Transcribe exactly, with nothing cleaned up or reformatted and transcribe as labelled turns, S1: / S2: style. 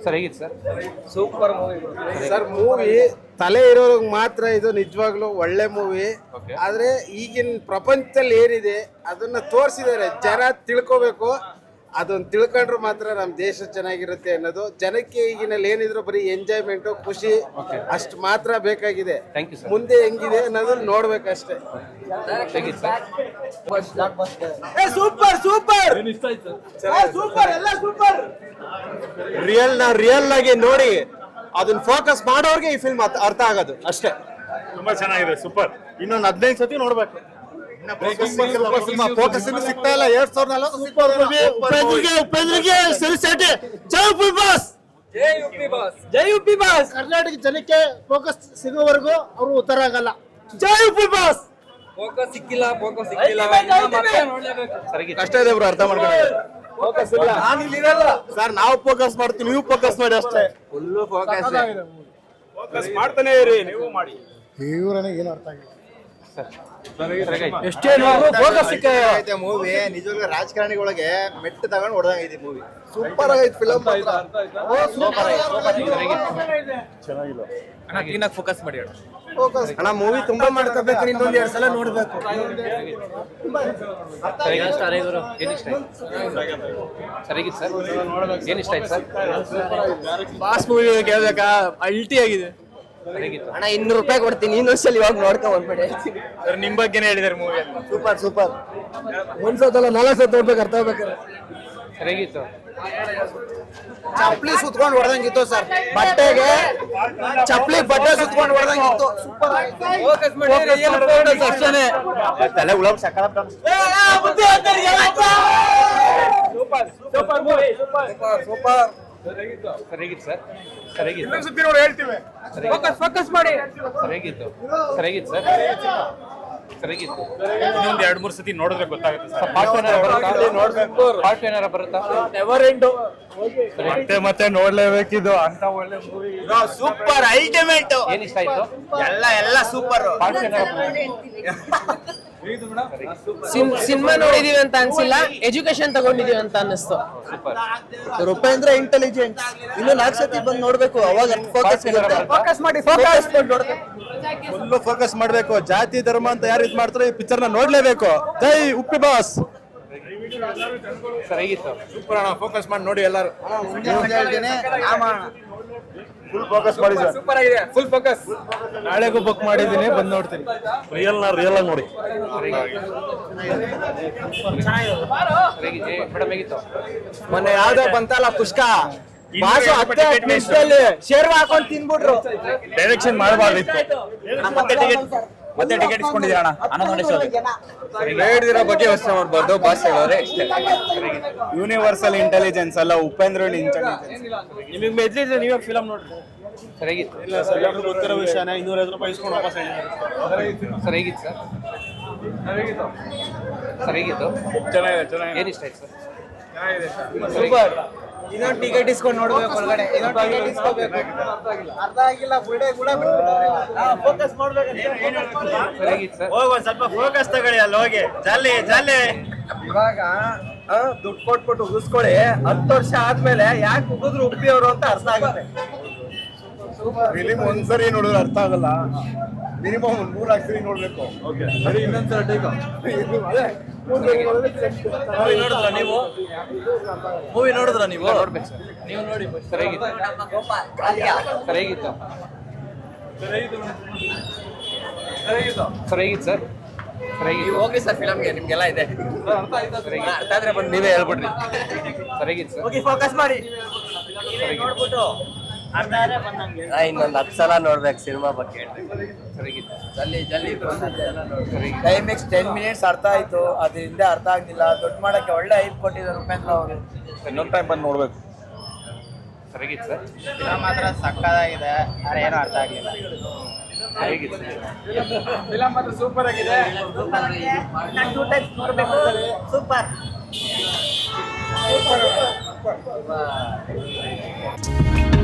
S1: Sir ಹೇಗಿತ್ತು sir?
S2: Super movie
S3: sir. Movie ತಲೆ ಇರೋರ್ಗೆ ಮಾತ್ರ ಇದು ನಿಜವಾಗ್ಲೂ ಒಳ್ಳೆ ಮೂವಿ. ಆದ್ರೆ ಈಗಿನ ಪ್ರಪಂಚದಲ್ಲಿ ಏನಿದೆ ಅದನ್ನ ತೋರಿಸಿದ್ದಾರೆ. ಜನ ತಿಳ್ಕೋಬೇಕು. ಅದನ್ನ ತಿಳ್ಕೊಂಡ್ರು ಮಾತ್ರ ನಮ್ಮ ದೇಶ ಚೆನ್ನಾಗಿರುತ್ತೆ ಅನ್ನೋದು. ಜನಕ್ಕೆ ಈಗಿನಲ್ಲಿ ಏನಿದ್ರು ಬರೀ ಎಂಜಾಯ್ಮೆಂಟು, ಖುಷಿ ಅಷ್ಟು ಮಾತ್ರ ಬೇಕಾಗಿದೆ. ಮುಂದೆ ಹೆಂಗಿದೆ ಅನ್ನೋದು ನೋಡ್ಬೇಕಷ್ಟೇ.
S2: ಸೂಪರ್ ಸೂಪರ್ ಸೂಪರ್ ಎಲ್ಲ ಸೂಪರ್.
S4: ರಿಯಲ್ ನ ರಿಯಲ್ ಆಗಿ ನೋಡಿ ಅದನ್ನ ಫೋಕಸ್ ಮಾಡೋರ್ಗೆ ಈ ಫಿಲ್ಮ್ ಅರ್ಥ ಆಗೋದು ಅಷ್ಟೇ.
S5: ತುಂಬಾ ಚೆನ್ನಾಗಿದೆ, ಸೂಪರ್. ಇನ್ನೊಂದು ಹದಿನೈದು ಸತಿ ನೋಡ್ಬೇಕು.
S4: ಫೋಕಸ್ ಸಿಗ್ತಾ ಇಲ್ಲ. ಎರಡ್ ಸಾವಿರದ ನಲವತ್ತು ಸೂಪರ್ ಮೂವಿ. ಉಪೇಂದ್ರಿಗೆ ಉಪೇಂದ್ರಿಗೆ ಸೆಲ್ಸೆಟಿ ಜೈ ಉಪಿ ಬಾಸ್,
S2: ಜೈ ಉಪಿ ಬಾಸ್, ಜೈ ಉಪಿ ಬಾಸ್.
S4: ಕರ್ನಾಟಕ ಜನಕ್ಕೆ ಫೋಕಸ್ ಸಿಗೋವರೆಗೂ ಅವರು ಉತ್ತರ ಆಗಲ್ಲ. ಜೈ ಉಪಿ ಬಾಸ್.
S2: ಫೋಕಸ್ ಸಿಕ್ಕಿಲ್ಲ, ಫೋಕಸ್ ಸಿಕ್ಕಿಲ್ಲ, ನೋಡ್ಲೇಬೇಕು.
S4: ಕಷ್ಟ ಇದೆ ಬ್ರೋ, ಅರ್ಥ ಮಾಡ್ಕೊಂಡು.
S2: ಫೋಕಸ್ ಇಲ್ಲ, ನಾನು ಇಲ್ಲಿ ಇರಲ್ಲ
S4: ಸರ್. ನಾವು ಫೋಕಸ್ ಮಾಡ್ತೀವಿ, ನೀವು ಫೋಕಸ್ ಮಾಡಿ ಅಷ್ಟೇ.
S3: ಫುಲ್ಲು ಫೋಕಸ್
S5: ಫೋಕಸ್ ಮಾಡ್ತಾನೆ ಇರಿ, ನೀವು ಮಾಡಿ.
S4: ಇವ್ರನಿಗೆ ಏನು ಅರ್ಥ ಆಗಿಲ್ಲ.
S2: ಎಷ್ಟೇ ಫೋಕಸ್ ಸಿಕ್ಕ
S4: ಮೂವಿ ನಿಜವಾಗ್ಲೂ ರಾಜಕಾರಣಿಗಳಿಗೆ ಮೆಟ್ಟು ತಗೊಂಡು ಹೊಡೆದಂಗೈತಿ ಮೂವಿ. ಸೂಪರ್ ಆಗೈತಿ ಫಿಲಮ್.
S2: ಚೆನ್ನಾಗಿಲ್ಲ, ಫೋಕಸ್ ಮಾಡಿ
S4: ಅಣ್ಣ. ಮೂವಿ ತುಂಬಾ ಮಾಡ್ಕೋಬೇಕು, ಇನ್ನೊಂದ್ ಎರಡ್ ಸಲ ನೋಡ್ಬೇಕು.
S2: Boss movie ಕೇಳ್ಬೇಕಾ? ಅಲ್ಟಿ ಆಗಿದೆ
S6: ಅಣ್ಣ. ಇನ್ನೂರು ರೂಪಾಯಿ ಕೊಡ್ತೀನಿ, ಇನ್ನೊಂದ್ಸಲ ಇವಾಗ ನೋಡ್ಕೊ ಬಂದ್ಬಿಡಿ.
S5: ನಿಮ್ ಬಗ್ಗೆನೇ ಹೇಳಿದಾರೆ ಮೂವಿ.
S4: Super super.
S6: ಒಂದ್ಸಲ ನಾಲ್ಕು ಸಲ ನೋಡ್ಬೇಕು, ಅರ್ಥ ಆಗ್ಬೇಕಾರೆ.
S1: ಸರಿಗಿತ್ತು.
S4: ಚಪ್ಲಿ ಸುತ್ಕೊಂಡು ಹೊಡೆದಂಗಿತ್ತು ಸರ್. ಬಟ್ಟೆಗೆ ಚಪ್ಲಿ ಬಟ್ಟೆ ಸುತ್ಕೊಂಡು ಹೊಡೆದಂಗಿತ್ತು.
S2: ಫೋಕಸ್ ಮಾಡಿ ಅಷ್ಟೇ.
S4: ತಲೆ ಉಳಮ್ ಸಕಲ.
S2: Super super movie, super super.
S1: ಸರಿಗಿತ್ತು ಸರ್. ಸರಿಗಿತ್ತು.
S5: ಹೇಳ್ತೀವಿ.
S2: ಫೋಕಸ್ ಫೋಕಸ್ ಮಾಡಿ.
S1: ಸರಿಗಿತ್ತು. ಸರಿಗಿತ್ತು ಸರ್. ಸರಿಗಿತ್ತು.
S5: ಇನ್ನೊಂದ್ ಎರಡ್ ಮೂರ್ ಸತಿ ನೋಡಿದ್ರೆ ಗೊತ್ತಾಗುತ್ತೆ ಸರ್.
S1: ಪಾರ್ಟ್ ಏನಾರ ಬರುತ್ತಾ? ಪಾರ್ಟ್ ಏನಾರ ಬರುತ್ತಾ?
S2: Never end.
S5: ಮತ್ತೆ ಮತ್ತೆ ನೋಡ್ಲೇಬೇಕಿದು ಅಂತ ಒಳ್ಳೆ ಮೂವಿ.
S4: Super ultimate.
S1: ಏನ್ ಇಷ್ಟ ಆಯ್ತು?
S4: ಎಲ್ಲ ಎಲ್ಲ ಸೂಪರ್.
S1: ಪಾರ್ಟ್ ಏನಾರ
S6: ಸಿನಿಮಾ ನೋಡಿದೀವಿ ಅಂತ ಅನ್ಸಿಲ್ಲ, ಎಜುಕೇಶನ್ ತಗೊಂಡಿದೀವಿ ಅಂತ ಅನ್ನಿಸ್ತು.
S1: ಸೂಪರ್.
S4: ಉಪೇಂದ್ರ ಇಂಟೆಲಿಜೆಂಟ್. ಇನ್ನು ನಾಲ್ಕು ಸತಿ ಬಂದು ನೋಡ್ಬೇಕು, ಅವಾಗ ಫೋಕಸ್ ಸಿಗುತ್ತೆ.
S2: ಫೋಕಸ್ ಮಾಡಿ, ಫೋಕಸ್
S4: ಫುಲ್ ಫೋಕಸ್ ಮಾಡ್ಬೇಕು. ಜಾತಿ ಧರ್ಮ ಅಂತ ಯಾರು ಇದ್ ಮಾಡ್ತಾರೆ ಈ ಪಿಕ್ಚರ್ ನ ನೋಡ್ಲೇಬೇಕು. ಜೈ ಉಪ್ಪಿ ಬಾಸ್.
S1: ಸರಿಗಿತ್ತು.
S4: ಸೂಪರ್ ಅಣ್ಣ. ಫೋಕಸ್ ಮಾಡಿ ನೋಡಿ ಎಲ್ಲರೂ. ಫುಲ್ ಫೋಕಸ್ ಮಾಡಿ ಸರ್.
S2: ಸೂಪರ್ ಆಗಿದೆ, ಫುಲ್ ಫೋಕಸ್.
S4: ನಾಳೆಗೂ ಬುಕ್ ಮಾಡಿದ್ದೀನಿ, ಬಂದು ನೋಡ್ತೀನಿ. ರಿಯಲ್ ನ ರಿಯಲ್ ಆಗಿ ನೋಡಿ.
S1: ಮೇಡಮ್ ಹೇಗಿತ್ತು?
S4: ಮೊನ್ನೆ ಯಾವ್ದೋ ಬಂತಲ್ಲ ಪುಷ್ಕ, ಬಾಸು ಹತ್ತೆ ನಿಮಿಷದಲ್ಲಿ ಶೇರ್ವ ಹಾಕೊಂಡು ತಿನ್ಬಿಟ್ರು.
S5: ಡೈರೆಕ್ಷನ್ ಮಾಡಬಾರ್ದಿತ್ತು. ಮತ್ತೆ ಟಿಕೆಟ್ ಮತ್ತೆ ಟಿಕೆಟ್ ಇಸ್ಕೊಂಡಿದ್ದೀರ ಅಣ್ಣ.
S4: ಹೇಳಿದಿರೋ ಬಗ್ಗೆ ಯೋಚನೆ ಮಾಡ್ಬಾರ್ದು. ಬಾಸ್ ಹೇಳೋರೆ
S5: ಯೂನಿವರ್ಸಲ್ ಇಂಟೆಲಿಜೆನ್ಸ್ ಅಲ್ಲ, ಉಪೇಂದ್ರ ಇಂಟೆಲಿಜೆನ್ಸ್.
S4: ನಿಮಗೆ ಮೆದ್ಲಿದ್ರೆ ನೀವೇ ಫಿಲಮ್ ನೋಡ್ರಿ.
S1: ಸರಿಗಿತ್ತು.
S4: ಇಲ್ಲ ಸರ್, ಎಲ್ಲರೂ ಗೊತ್ತಿರೋ ವಿಷಯನೇ. ಇನ್ನೂರೈವತ್ತು ರೂಪಾಯಿ ಇಸ್ಕೊಂಡು ವಾಪಸ್ ಹೇಳಿದ್ದಾರೆ.
S1: ಸರಿಗಿತ್ತು ಸರ್. ಸರಿಗಿತ್ತು.
S5: ಚೆನ್ನಾಗಿದೆ ಚೆನ್ನಾಗಿದೆ.
S1: ಏನ್ ಇಷ್ಟ ಆಯ್ತು ಸರ್?
S2: ಸೂಪರ್. ಇನ್ನೊಂದು ಟಿಕೆಟ್ ಇಸ್ಕೊಂಡು ನೋಡ್ಬೇಕು ಒಳಗಡೆ. ಇನ್ನೊಂದು ಟಿಕೆಟ್ ಇಸ್ಕೋಬೇಕು. ಅರ್ಥ ಆಗಿಲ್ಲ, ಬಿಡೆ ಬಿಡ. ಫೋಕಸ್ ಮಾಡ್ಬೇಕು.
S1: ಸರಿಗಿತ್ತು ಸರ್.
S5: ಹೋಗಿ ಒಂದ್ ಸ್ವಲ್ಪ ಫೋಕಸ್ ತಗೊಳ್ಳಿ ಅಲ್ಲಿ ಹೋಗಿ. ಜಲ್ಲಿ ಜಲ್ಲಿ.
S2: ಇವಾಗ ದುಡ್ಡು ಕೊಟ್ಬಿಟ್ಟು ಉಗಿಸ್ಕೊಳ್ಳಿ. ಹತ್ತು ವರ್ಷ ಆದ್ಮೇಲೆ ಯಾಕೆ ಉಗಿದ್ರು ಉಪ್ಪಿ ಅವರು ಅಂತ ಅರ್ಥ ಆಗುತ್ತೆ.
S4: ಫಿಲಿಮ್ ಒಂದ್ಸರಿ ನೋಡಿದ್ರೆ ಅರ್ಥ ಆಗಲ್ಲ. ಮಿನಿಮಮ್ ಒಂದ್ ಮೂರ್ ನಾಲ್ಕು ಸರಿ ನೋಡ್ಬೇಕು.
S2: ಸರಿ, ಇನ್ನೊಂದ್ಸಲ ಟೇಕ್. ಮೂವಿ ನೋಡಿದ್ರ ನೀವು? ಮೂವಿ ನೋಡಿದ್ರ ನೀವು?
S1: ನೋಡ್ಬೇಕು ಸರ್.
S2: ನೀವು ನೋಡಿ.
S1: ಸರಿಗಿತ್ತು. ಸರಿಗಿತ್ತು. ಸರಿಗಿತ್ತು ಸರ್. ಸರಿಗಿತ್ತು.
S6: ಹೋಗಿ ಸರ್ ಫಿಲಮ್ಗೆ, ನಿಮ್ಗೆಲ್ಲ ಇದೆ. ಅರ್ಥ ಆದ್ರೆ ಬಂದು ನೀವೇ ಹೇಳ್ಬಿಡ್ರಿ.
S1: ಸರಿಗಿತ್ತು ಸರ್.
S2: ಹೋಗಿ ಫೋಕಸ್ ಮಾಡಿ.
S1: ನೋಡ್ಬಿಟ್ಟು
S6: ಇನ್ನೊಂದು ಹತ್ತು ಸಲ ನೋಡ್ಬೇಕು ಸಿನಿಮಾ ಬಗ್ಗೆ.
S1: ಸರಿಗಿತ್ತು.
S6: ಜಲ್ದಿ ಜಲ್ದಿ
S2: ಕ್ಲೈಮ್ಯಾಕ್ಸ್ ಟೆನ್ ಮಿನಿಟ್ಸ್ ಅರ್ಥ ಆಯ್ತು, ಅದ್ರ ಹಿಂದೆ ಅರ್ಥ ಆಗ್ಲಿಲ್ಲ. ದೊಡ್ಡ ಮಾಡಕ್ಕೆ ಒಳ್ಳೆ ಐಪ್ ಕೊಟ್ಟಿದ್ದಾರೆ ಉಪೇಂದ್ರ ಅವರು.
S5: ಇನ್ನೊಂದು ಟೈಮ್ ಬಂದು ನೋಡ್ಬೇಕು.
S1: ಸರಿಗಿತ್ತು ಸರ್.
S4: ಫಿಲಮ್ ಮಾತ್ರ ಸಕ್ಕತ್ತಾಗಿದೆ, ಆದ್ರೆ ಏನೂ ಅರ್ಥ ಆಗ್ಲಿಲ್ಲ.
S1: ಸರಿಗಿತ್ತು.
S2: ಫಿಲಮ್ ಮಾತ್ರ ಸೂಪರ್ ಆಗಿದೆ. ಟೂ ಟೈಮ್ಸ್ ನೋಡ್ಬೇಕು. Super super.